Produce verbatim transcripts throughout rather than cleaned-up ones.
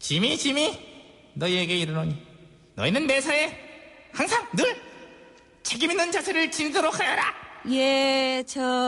지미 지미 너희에게 이르노니 너희는 매사에 항상 늘 책임 있는 자세를 지니도록 하여라. 예,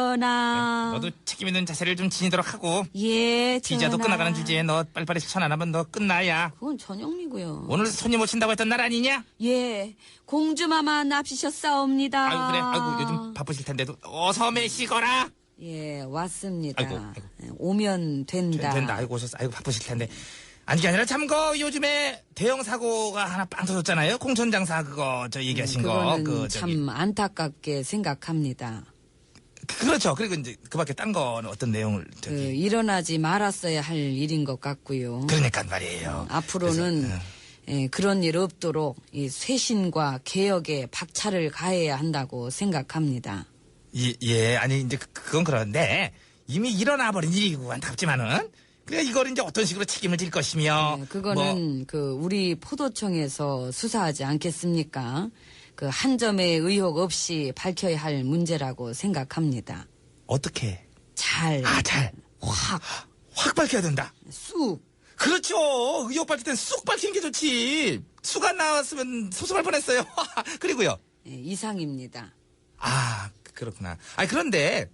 전하. 너도 책임 있는 자세를 좀 지니도록 하고. 예, 전하. 비자도 끝나가는 주제에 너 빨리빨리 실천 안 하면 너 끝나야. 그건 전영미고요. 오늘 손님 오신다고 했던 날 아니냐? 예, 공주마마 납시셨사옵니다. 아이고 그래. 아이고 요즘 바쁘실 텐데도 어서 매시거라. 예, 왔습니다. 아이고, 아이고. 오면 된다. 된다. 아이고 오셨어. 아이고 바쁘실 텐데. 아니 게 아니라 참거 요즘에 대형 사고가 하나 빵 터졌잖아요. 공천장사 그거 저 얘기하신 거. 그거는 그 참 저기. 안타깝게 생각합니다. 그, 그렇죠. 그리고 이제 그밖에 딴 거는 어떤 내용을 저기. 그, 일어나지 말았어야 할 일인 것 같고요. 그러니까 말이에요. 앞으로는 그래서, 예, 그런 일 없도록 이 쇄신과 개혁에 박차를 가해야 한다고 생각합니다. 예, 예, 아니, 이제, 그- 그건 그런데, 이미 일어나 버린 일이고, 안타깝지만은, 그래, 이걸 이제 어떤 식으로 책임을 질 것이며, 네, 그거는 뭐, 그 우리 포도청에서 수사하지 않겠습니까? 그 한 점의 의혹 없이 밝혀야 할 문제라고 생각합니다. 어떻게? 잘, 아, 잘. 확, 확 밝혀야 된다. 쑥. 그렇죠. 의혹 밝힐 땐 쑥 밝히는 게 좋지. 쑥 안 나왔으면 소송할 뻔했어요. 그리고요. 예, 이상입니다. 아, 그렇구나. 아, 그런데,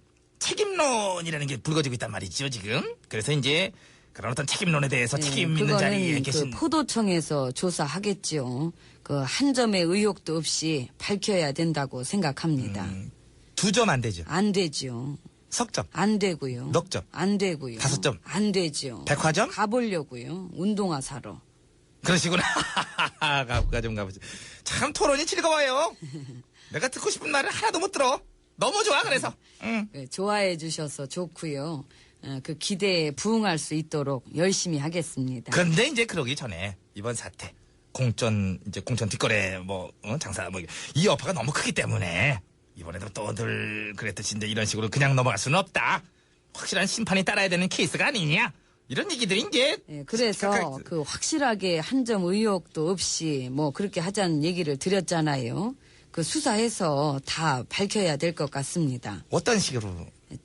책임론이라는 게 불거지고 있단 말이죠, 지금. 그래서 이제, 그런 어떤 책임론에 대해서 예, 책임 있는 자리에 그거는 계신. 그 포도청에서 조사하겠죠. 그 한 점의 의혹도 없이 밝혀야 된다고 생각합니다. 음, 두 점 안 되죠. 안 되죠. 석점. 안 되고요. 넉 점. 안 되고요. 다섯 점. 안 되죠. 백화점? 가보려고요. 운동화 사러. 그러시구나. 가볼까 좀 가보지. 참 토론이 즐거워요. 내가 듣고 싶은 말을 하나도 못 들어. 너무 좋아 그래서. 응. 그, 좋아해 주셔서 좋고요. 어, 그 기대에 부응할 수 있도록 열심히 하겠습니다. 근데 이제 그러기 전에 이번 사태 공천 이제 공천 뒷거래 뭐 어, 장사 뭐 이 여파가 너무 크기 때문에 이번에도 또 늘 그랬듯이 이제 이런 식으로 그냥 넘어갈 수는 없다. 확실한 심판이 따라야 되는 케이스가 아니냐. 이런 얘기들이 이제. 예, 그래서 각각- 그 확실하게 한 점 의혹도 없이 뭐 그렇게 하자는 얘기를 드렸잖아요. 그 수사해서 다 밝혀야 될 것 같습니다. 어떤 식으로.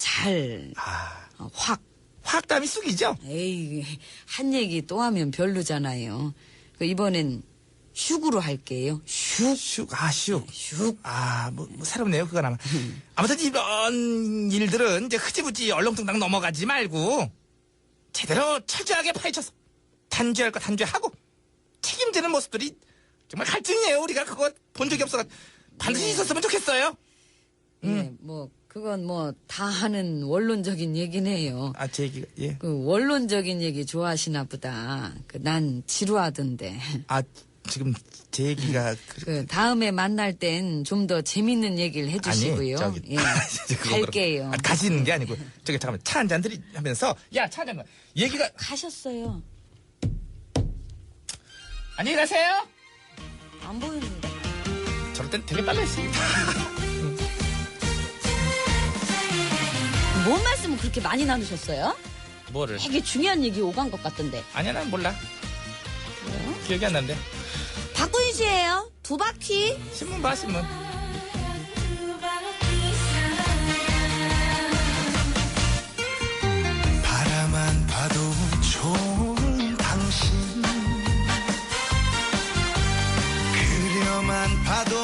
잘, 아, 어, 확. 확담이 쑥이죠. 에이, 한 얘기 또 하면 별로잖아요. 그 이번엔 슉으로 할게요. 슉. 슉, 아, 슉. 슉. 아, 뭐, 뭐 새롭네요, 그건 아마. 아무튼 이런 일들은 이제 흐지부지 얼렁뚱땅 넘어가지 말고 제대로 철저하게 파헤쳐서 단죄할 거 단죄하고 책임지는 모습들이 정말 갈증이에요. 우리가 그거 본 적이 없어. 반드시 네. 있었으면 좋겠어요. 예, 뭐 그건 뭐 다 하는 원론적인 얘기네요. 아, 제 얘기가, 예. 그 원론적인 얘기 좋아하시나 보다. 그 난 지루하던데. 아, 지금 제 얘기가. 그, 그 다음에 만날 땐 좀 더 재밌는 얘기를 해주시고요. 아니, 저기. 예. 그거 그렇고. 갈게요. 아, 가시는 게 아니고. 저기, 잠깐만. 차 한잔 들이 하면서. 야, 차 한잔. 얘기가. 가셨어요. 안녕히 가세요. 안 보이는데. 저럴 땐 되게 빨리 했습니다. 뭔 말씀을 그렇게 많이 나누셨어요? 뭐를? 되게 중요한 얘기 오간 것 같던데. 아니야, 난 몰라. 기억이 안 난대. 박구윤 씨예요. 두 바퀴. 신문 봐, 신문. 바라만 봐도 좋은 당신 그려만 봐도